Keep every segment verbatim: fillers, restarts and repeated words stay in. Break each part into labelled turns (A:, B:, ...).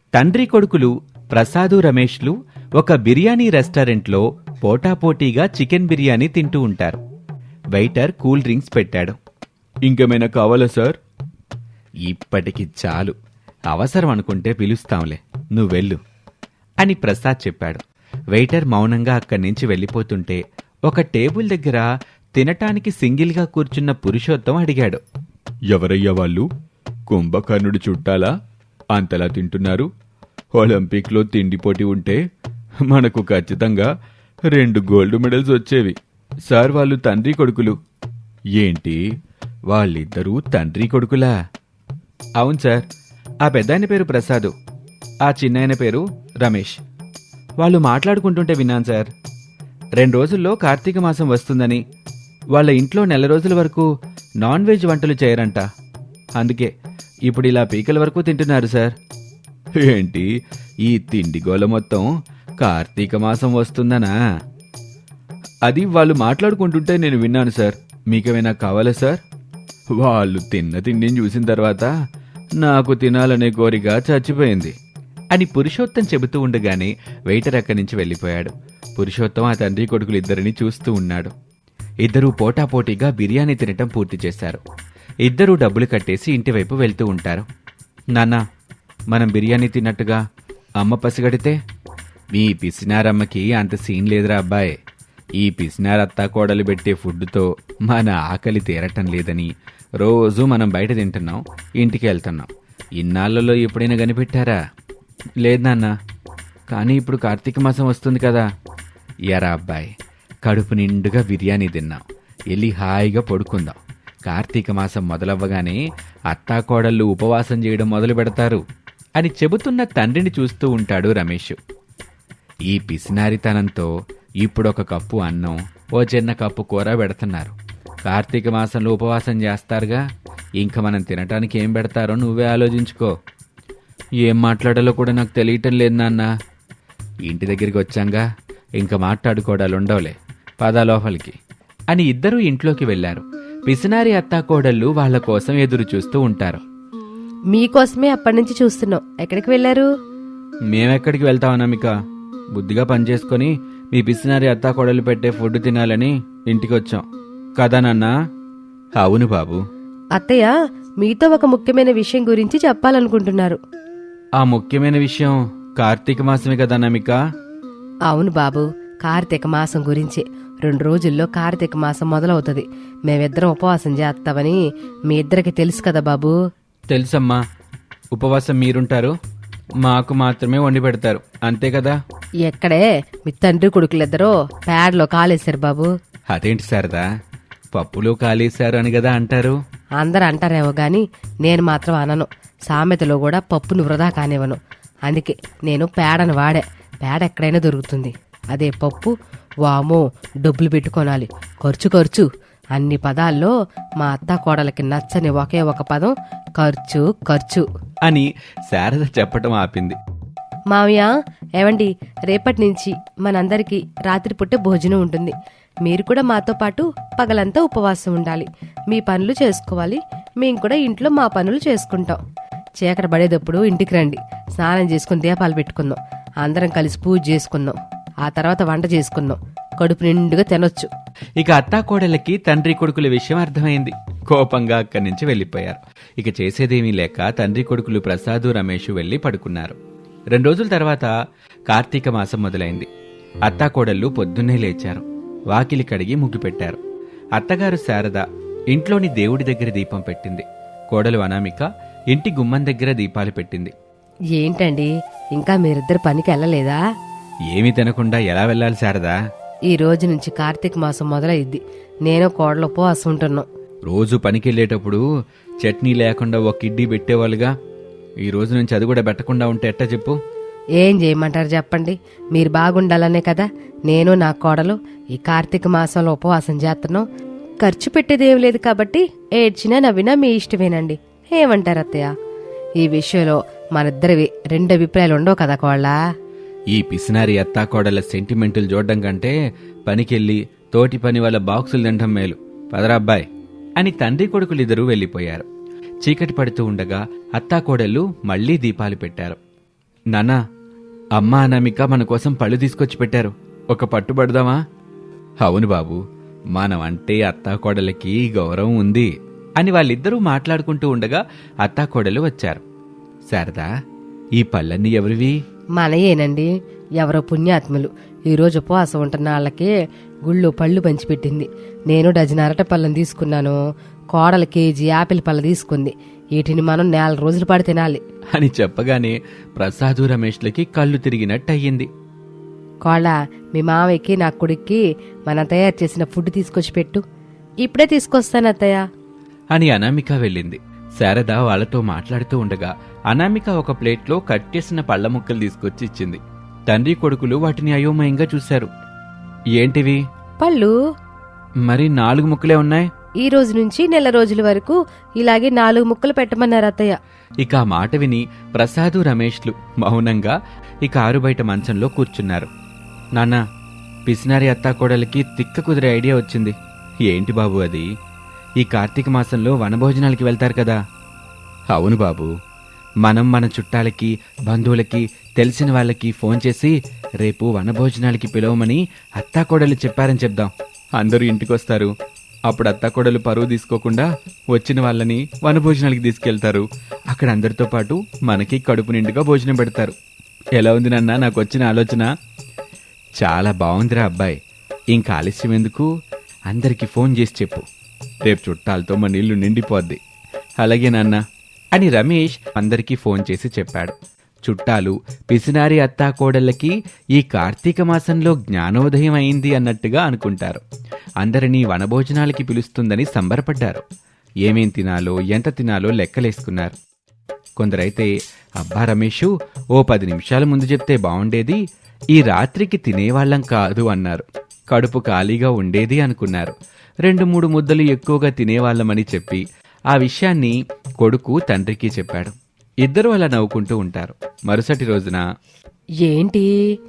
A: తండ్రి కొడుకులు ప్రసాదు రమేష్లు ఒక బిర్యానీ రెస్టారెంట్లో పోటాపోటీగా చికెన్ బిర్యానీ తింటూ ఉంటారు. వెయిటర్ కూల్ డ్రింక్స్ పెట్టాడు. ఇంకేమైనా కావాలా సార్? ఇప్పటికి చాలు, అవసరం అనుకుంటే పిలుస్తాంలే, నువ్వెళ్ళు అని ప్రసాద్ చెప్పాడు. వెయిటర్ మౌనంగా అక్కడి నుంచి వెళ్ళిపోతుంటే ఒక టేబుల్ దగ్గర తినటానికి సింగిల్గా కూర్చున్న పురుషోత్తం అడిగాడు, ఎవరయ్యా వాళ్ళు? కుంభకర్ణుడు చుట్టాలా అంతలా తింటున్నారు? ఒలింపిక్లో తిండి పోటీ ఉంటే మనకు ఖచ్చితంగా రెండు గోల్డ్ మెడల్స్ వచ్చేవి సార్. వాళ్ళు తండ్రి కొడుకులు. ఏంటి, వాళ్ళిద్దరూ తండ్రి కొడుకులా? అవును సార్. ఆ పెద్దాయన పేరు ప్రసాదు, ఆ చిన్నాయన పేరు రమేష్. వాళ్ళు మాట్లాడుకుంటుంటే విన్నాను సార్. రెండు రోజుల్లో కార్తీక మాసం వస్తుందని వాళ్ళ ఇంట్లో నెల రోజుల వరకు నాన్ వెజ్ వంటలు చేయరంట. అందుకే ఇప్పుడు ఇలా పీకల వరకు తింటున్నారు సార్. ఏంటి, ఈ తిండి గోల మొత్తం కార్తీక మాసం వస్తుందనా? అది వాళ్ళు మాట్లాడుకుంటుంటే నేను విన్నాను సార్. మీకేమైనా కావాలా సార్? వాళ్ళు తిన్న తిండిని చూసిన తర్వాత నాకు తినాలనే కోరిక చచ్చిపోయింది అని పురుషోత్తం చెబుతూ ఉండగానే వెయిటర్ అక్కడి నుంచి వెళ్ళిపోయాడు. పురుషోత్తం ఆ తండ్రి కొడుకులు ఇద్దరిని చూస్తూ ఉన్నాడు. ఇద్దరూ పోటాపోటీగా బిర్యానీ తినటం పూర్తి చేశారు. ఇద్దరూ డబ్బులు కట్టేసి ఇంటివైపు వెళ్తూ ఉంటారు. నాన్న, మనం బిర్యానీ తిన్నట్టుగా అమ్మ పసిగడితే? మీ పిసినారమ్మకి అంత సీన్ లేదురా అబ్బాయి. ఈ పిసినారత్తా కోడలు పెట్టే ఫుడ్తో మన ఆకలి తీరటం లేదని రోజు మనం బయట తింటున్నాం, ఇంటికి వెళ్తున్నాం. ఇన్నాళ్లలో ఎప్పుడైనా కనిపెట్టారా? లేదు నాన్న, కానీ ఇప్పుడు కార్తీక మాసం వస్తుంది కదా. ఎరా అబ్బాయి, కడుపు నిండుగా బిర్యానీ తిన్నాం, వెళ్ళి హాయిగా పడుకుందాం. కార్తీక మాసం మొదలవ్వగానే అత్తాకోడళ్ళు ఉపవాసం చేయడం మొదలు పెడతారు అని చెబుతున్న తండ్రిని చూస్తూ ఉంటాడు రమేష్. ఈ పిసినారితనంతో ఇప్పుడొక కప్పు అన్నం, ఓ చిన్న కప్పు కూర పెడుతున్నారు. కార్తీక మాసంలో ఉపవాసం చేస్తారుగా, ఇంక మనం తినటానికి ఏం పెడతారో నువ్వే ఆలోచించుకో. ఏం మాట్లాడాలో కూడా నాకు తెలియటం లేదు నాన్న. ఇంటి దగ్గరికి వచ్చాంగా, ఇంక మాట్లాడుకోవడాలుండవులే, పద లోపలికి అని ఇద్దరూ ఇంట్లోకి వెళ్లారు. పిసినారి అత్తాకోడళ్ళు వాళ్ల కోసం ఎదురు చూస్తూ ఉంటారు.
B: మీకోసమే అప్పటి నుంచి చూస్తున్నాం. ఎక్కడికి వెళ్లారు?
A: మేమెక్కడికి వెళ్తాం అనామిక, బుద్ధిగా పనిచేసుకుని మీ పిసినారి అత్తాకోడళ్ళు పెట్టే ఫుడ్ తినాలని ఇంటికి వచ్చాం కదా నాన్న? అవును బాబు.
B: అత్తయ్య మీతో ఒక ముఖ్యమైన విషయం గురించి చెప్పాలనుకుంటున్నారు.
A: ఆ ముఖ్యమైన విషయం కార్తీక మాసమే కదా అనామిక?
B: అవును బాబు, కార్తీక మాసం గురించి. రెండు రోజుల్లో కార్తీక మాసం మొదలవుతుంది. మేమిద్దరం ఉపవాసం చేస్తామని మీ ఇద్దరికి తెలుసు కదా బాబు.
A: తెలుసమ్మా. ఉపవాసం మీరుంటారు, మాకు మాత్రమే వండి పెడతారు, అంతే కదా?
B: ఎక్కడే, మీ తండ్రి కొడుకులిద్దరూ పేడలో కాలేశారు బాబు.
A: అదేంటి శారదా, పప్పులో కాలేశారు అని కదా అంటారు?
B: అందరు అంటారేమో గాని నేను మాత్రం అనను. సామెతలో కూడా పప్పును వృధా కానివ్వను. అందుకే నేను పేడను వాడే. పేడ ఎక్కడైనా దొరుకుతుంది. అదే పప్పు, వామో డబ్బులు పెట్టుకోనాలి, ఖర్చు ఖర్చు. అన్ని పదాల్లో మా అత్త కోడలకి నచ్చని ఒకే ఒక పదం ఖర్చు ఖర్చు
A: అని శారద చెప్పటం ఆపింది.
B: మావయ్య, ఏవండి, రేపటి నుంచి మనందరికీ రాత్రి పుట్టే భోజనం ఉంటుంది. మీరు కూడా మాతో పాటు పగలంతా ఉపవాసం ఉండాలి. మీ పనులు చేసుకోవాలి, మేం కూడా ఇంట్లో మా పనులు చేసుకుంటాం. చీకటి పడేటప్పుడు ఇంటికి రండి, స్నానం చేసుకుని దీపాలు పెట్టుకుందాం, అందరం కలిసి పూజ చేసుకుందాం, ఆ తర్వాత వంట చేసుకుందాం, కడుపు నిండుగా తినొచ్చు.
A: ఇక అత్తాకోడలకి తండ్రి కొడుకుల విషయం అర్థమైంది. కోపంగా అక్కడి నుంచి వెళ్లిపోయారు. ఇక చేసేదేమీ లేక తండ్రి కొడుకులు ప్రసాదు రమేష్ వెళ్లి పడుకున్నారు. రెండు రోజుల తర్వాత కార్తీక మాసం మొదలైంది. అత్తాకోడళ్ళు పొద్దున్నే లేచారు. వాకిలి కడిగి ముగ్గు పెట్టారు. అత్తగారు శారద ఇంట్లోని దేవుడి దగ్గర దీపం పెట్టింది. కోడలు అనామిక ఇంటి గుమ్మం దగ్గర దీపాలు పెట్టింది.
B: ఏంటండి, ఇంకా మీరిద్దరు పనికి వెళ్ళలేదా?
A: ఏమీ తినకుండా ఎలా వెళ్ళాలి శారదా?
B: ఈ రోజు నుంచి కార్తీక మాసం మొదలైద్ది. నేను కోడలు ఉపవాసం ఉంటున్నాం.
A: రోజు పనికెళ్ళేటప్పుడు చట్నీ లేకుండా ఒక కిడ్డీ పెట్టేవాళ్ళుగా, ఈ రోజు నుంచి అది కూడా పెట్టకుండా ఉంటే ఎట్టా చెప్పు?
B: ఏం చేయమంటారు చెప్పండి? మీరు బాగుండాలనే కదా నేను నా కోడలు ఈ కార్తీక మాసంలో ఉపవాసం చేస్తున్నాం. ఖర్చు పెట్టేదేం లేదు కాబట్టి ఏడ్చినా నవ్వినా మీ ఇష్టమేనండి. ఏమంటారు అత్తయ్య? ఈ విషయంలో మనిద్దరివి రెండు అభిప్రాయాలు ఉండవు కదా కోళ్ళ?
A: ఈ పిసినారి అత్తాకోడల సెంటిమెంటులు చూడడం కంటే పనికెళ్ళి తోటి పని వాళ్ళ బాక్సులు తినడం మేలు. పదరాబ్బాయ్ అని తండ్రి కొడుకులిద్దరూ వెళ్లిపోయారు. చీకటి పడుతూ ఉండగా అత్తాకోడళ్ళు మళ్లీ దీపాలు పెట్టారు. నాన్నా, అమ్మ అనామిక మన కోసం పళ్ళు తీసుకొచ్చి పెట్టారు. ఒక పట్టు పడదామా? అవును బాబు, మనం అంటే అత్తాకోడలకి గౌరవం ఉంది అని వాళ్ళిద్దరూ మాట్లాడుకుంటూ ఉండగా అత్తాకోడలు వచ్చారు. శారదా, ఈ పళ్ళన్నీ ఎవరివి?
B: మనయేనండి, ఎవరో పుణ్యాత్ములు ఈరోజు ఉపవాసం ఉంటున్న వాళ్ళకి గుళ్ళు పళ్ళు పంచిపెట్టింది. నేను డజన్ అరటి పళ్ళని తీసుకున్నాను, కోడలు కేజీ యాపిల్ పళ్ళ తీసుకుంది. వీటిని మనం నెల రోజుల పాటు తినాలి
A: అని చెప్పగానే ప్రసాదు రమేష్లకి కళ్ళు తిరిగినట్టు అయ్యింది.
B: కోళ్ళ, మీ మావయ్యకి నా కొడుక్కి మనం తయారు చేసిన ఫుడ్ తీసుకొచ్చి పెట్టు. ఇప్పుడే తీసుకొస్తాను అత్తయ్య
A: అని అనామిక వెళ్ళింది. శారద వాళ్లతో మాట్లాడుతూ ఉండగా అనామిక ఒక ప్లేట్లో కట్ చేసిన పళ్ల ముక్కలు తీసుకొచ్చి ఇచ్చింది. తండ్రి కొడుకులు వాటిని అయోమయంగా చూశారు. ఏంటివి?
B: పళ్ళు.
A: మరి నాలుగు ముక్కలే ఉన్నాయి.
B: ఈ రోజు నుంచి నెల రోజుల వరకు ఇలాగే నాలుగు ముక్కలు పెట్టమన్నారు అత్తయ్య.
A: ఇక ఆ మాట విని ప్రసాదు రమేష్లు మౌనంగా ఇక ఆరు బయట మంచంలో కూర్చున్నారు. నాన్నా, పిసినారి అత్తాకోడలికి తిక్క కుదిరే ఐడియా వచ్చింది. ఏంటి బాబు అది? ఈ కార్తీక మాసంలో వనభోజనాలకి వెళ్తారు కదా? అవును బాబు, మనం మన చుట్టాలకి, బంధువులకి, తెలిసిన వాళ్ళకి ఫోన్ చేసి రేపు వనభోజనాలకి పిలవమని అత్తాకోడలు చెప్పారని చెప్దాం. అందరూ ఇంటికొస్తారు. అప్పుడు అత్తాకోడలు పరువు తీసుకోకుండా వచ్చిన వాళ్ళని వనభోజనాలకి తీసుకెళ్తారు. అక్కడ అందరితో పాటు మనకి కడుపు నిండుగా భోజనం పెడతారు. ఎలా ఉంది నాన్న నాకు వచ్చిన ఆలోచన? చాలా బాగుందిరా అబ్బాయి. ఇంకా ఆలస్యం ఎందుకు? అందరికీ ఫోన్ చేసి చెప్పు. రేపు చుట్టాలతో మన ఇల్లు నిండిపోద్ది. అలాగే నాన్న అని రమేష్ అందరికీ ఫోన్ చేసి చెప్పాడు. చుట్టాలు, పిసినారి అత్తాకోడళ్ళకి ఈ కార్తీక మాసంలో జ్ఞానోదయం అయింది అన్నట్టుగా అనుకుంటారు. అందరినీ వనభోజనాలకి పిలుస్తుందని సంబరపడ్డారు. ఏమేం తినాలో, ఎంత తినాలో లెక్కలేసుకున్నారు. కొందరైతే అబ్బా రమేషు, ఓ పది నిమిషాల ముందు చెప్తే బావుండేది, ఈ రాత్రికి తినేవాళ్లం కాదు అన్నారు. కడుపు ఖాళీగా ఉండేది అనుకున్నారు. రెండు మూడు ముద్దలు ఎక్కువగా తినేవాళ్లమని చెప్పి ఆ విషయాన్ని కొడుకు తండ్రికి చెప్పాడు. ఇద్దరు అలా నవ్వుకుంటూ ఉంటారు. మరుసటి రోజున,
B: ఏంటి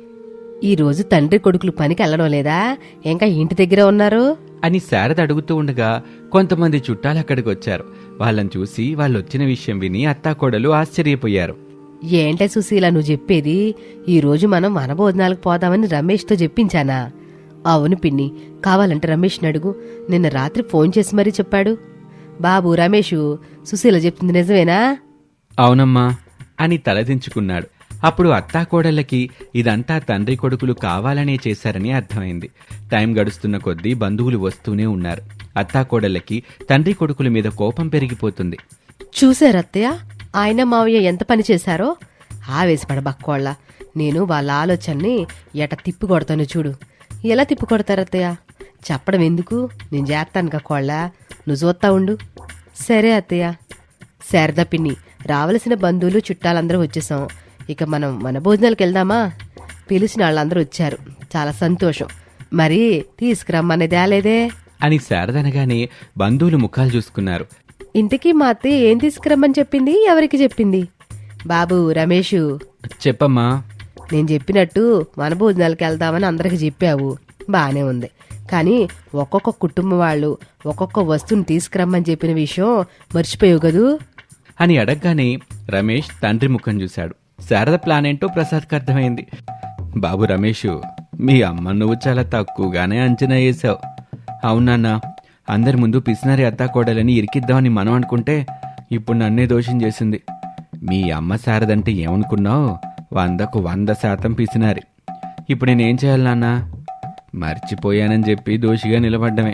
B: ఈ రోజు తండ్రి కొడుకులు పనికి వెళ్ళడం లేదా? ఇంకా ఇంటి దగ్గర ఉన్నారు
A: అని శారద అడుగుతూ ఉండగా కొంతమంది చుట్టాలు అక్కడికి వచ్చారు. వాళ్ళని చూసి వాళ్ళొచ్చిన విషయం విని అత్తాకోడలు ఆశ్చర్యపోయారు.
B: ఏంటే సుశీల నువ్వు చెప్పేది? ఈ రోజు మనం వనభోజనాలకు పోదామని రమేష్తో చెప్పించానా? అవును పిన్ని, కావాలంటే రమేష్ని అడుగు. నిన్న రాత్రి ఫోన్ చేసి మరీ చెప్పాడు. బాబు రమేషు, సుశీల చెప్తుంది నిజమేనా?
A: అవునమ్మా అని తలదించుకున్నాడు. అప్పుడు అత్తాకోడళ్ళకి ఇదంతా తండ్రి కొడుకులు కావాలనే చేశారని అర్థమైంది. టైం గడుస్తున్న కొద్దీ బంధువులు వస్తూనే ఉన్నారు. అత్తాకోడళ్ళకి తండ్రి కొడుకుల మీద కోపం పెరిగిపోతుంది.
B: చూశారత్తయ్య, ఆయన మావయ్య ఎంత పని చేశారో? ఆవేశపడ బక్కోళ్ళ. నేను వాళ్ళ ఆలోచనని ఎట తిప్పి కొడతాను చూడు. ఎలా తిప్పి కొడతారత్తయ్య? చెప్పడం ఎందుకు, నేను చేస్తాను కక్కోళ్ళ, నువ్వు చూస్తా ఉండు. సరే అత్తయ్య. శారదా పిన్ని, రావలసిన బంధువులు చుట్టాలందరూ వచ్చేసాం. ఇక మనం మన భోజనాలకు వెళ్దామా? పిలిచిన వాళ్ళందరూ వచ్చారు, చాలా సంతోషం. మరి తీసుకురమ్మనేది ఆలేదే
A: అని శారదనగానే బంధువులు ముఖాలు చూసుకున్నారు.
B: ఇంతకీ మా అత్తయ్య ఏం తీసుకురమ్మని చెప్పింది? ఎవరికి చెప్పింది? బాబు రమేషు,
A: చెప్పమ్మా.
B: నేను చెప్పినట్టు మన భోజనాలకు వెళ్దామని అందరికి చెప్పావు, బానే ఉంది. కానీ ఒక్కొక్క కుటుంబం వాళ్ళు ఒక్కొక్క వస్తువుని తీసుకురమ్మని చెప్పిన విషయం మర్చిపోయావు కదూ
A: అని అడగగానే రమేష్ తండ్రి ముఖం చూశాడు. శారద ప్లాన్ ఏంటో ప్రసాద్కి అర్థమైంది. బాబు రమేషు, మీ అమ్మ నువ్వు చాలా తక్కువగానే అంచనా వేశావు. అవునన్నా, అందరి ముందు పిసినారి అత్తాకోడలని ఇరికిద్దామని మనం అనుకుంటే ఇప్పుడు నన్నే దోషం చేసింది. మీ అమ్మ శారదంటే ఏమనుకున్నావు? వందకు వంద శాతం పిసినారి. ఇప్పుడు నేనేం చేయాలి నాన్నా? మర్చిపోయానని చెప్పి దోషిగా నిలబడ్డమే.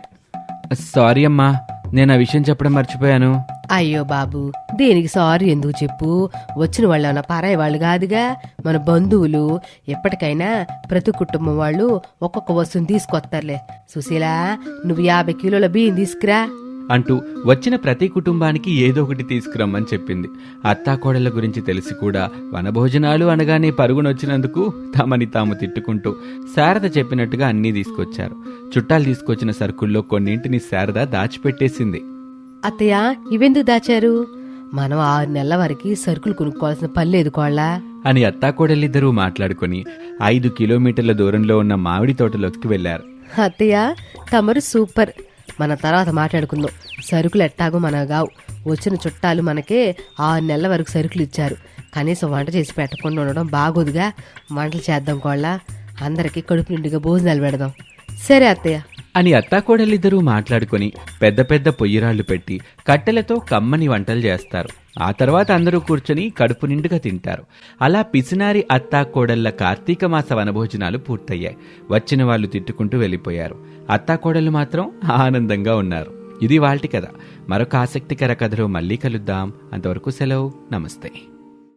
A: సారీ అమ్మా, నేను ఆ విషయం చెప్పడం మర్చిపోయాను.
B: అయ్యో బాబు, దేనికి సారీ ఎందుకు చెప్పు? వచ్చిన వాళ్ళు ఏమన్నా పరాయి వాళ్ళు కాదుగా, మన బంధువులు. ఎప్పటికైనా ప్రతి కుటుంబం వాళ్ళు ఒక్కొక్క వస్తువుని తీసుకొస్తారులే. సుశీల, నువ్వు యాభై కిలోల బియ్యం తీసుకురా
A: అంటూ వచ్చిన ప్రతి కుటుంబానికి ఏదో ఒకటి తీసుకురమ్మని చెప్పింది. అత్తాకోడళ్ల గురించి తెలిసి కూడా వనభోజనాలు అనగానే పరుగునొచ్చినందుకు తమని తాము తిట్టుకుంటూ శారద చెప్పినట్టుగా అన్నీ తీసుకొచ్చారు. చుట్టాలు తీసుకొచ్చిన సరుకుల్లో కొన్నింటిని శారద దాచిపెట్టేసింది.
B: అత్తయ్య, ఇవెందుకు దాచారు? మనం ఆరు నెలల వరకు సరుకులు కొనుక్కోవాల్సిన పని లేదు కోళ్ళ
A: అని అత్తాకోడలిద్దరూ మాట్లాడుకుని ఐదు కిలోమీటర్ల దూరంలో ఉన్న మామిడి తోటలోకి వెళ్లారు.
B: అత్తయ్య, తమరు సూపర్. మన తర్వాత మాట్లాడుకుందాం. సరుకులు ఎట్టాగో మన గావు, వచ్చిన చుట్టాలు మనకే ఆరు నెలల వరకు సరుకులు ఇచ్చారు. కనీసం వంట చేసి పెట్టకుండా ఉండడం బాగోదుగా. వంటలు చేద్దాం కోళ్ళ, అందరికీ కడుపు నిండుగా భోజనాలు పెడదాం. సరే అత్తయ్య
A: అని అత్తాకోడలిద్దరూ మాట్లాడుకొని పెద్ద పెద్ద పొయ్యిరాళ్లు పెట్టి కట్టెలతో కమ్మని వంటలు చేస్తారు. ఆ తర్వాత అందరూ కూర్చొని కడుపు నిండుగా తింటారు. అలా పిసినారి అత్తాకోడళ్ల కార్తీక మాస వనభోజనాలు పూర్తయ్యాయి. వచ్చిన వాళ్ళు తిట్టుకుంటూ వెళ్ళిపోయారు. అత్తాకోడళ్ళు మాత్రం ఆనందంగా ఉన్నారు. ఇది వాల్టి కథ. మరొక ఆసక్తికర కథలో మళ్ళీ కలుద్దాం. అంతవరకు సెలవు. నమస్తే.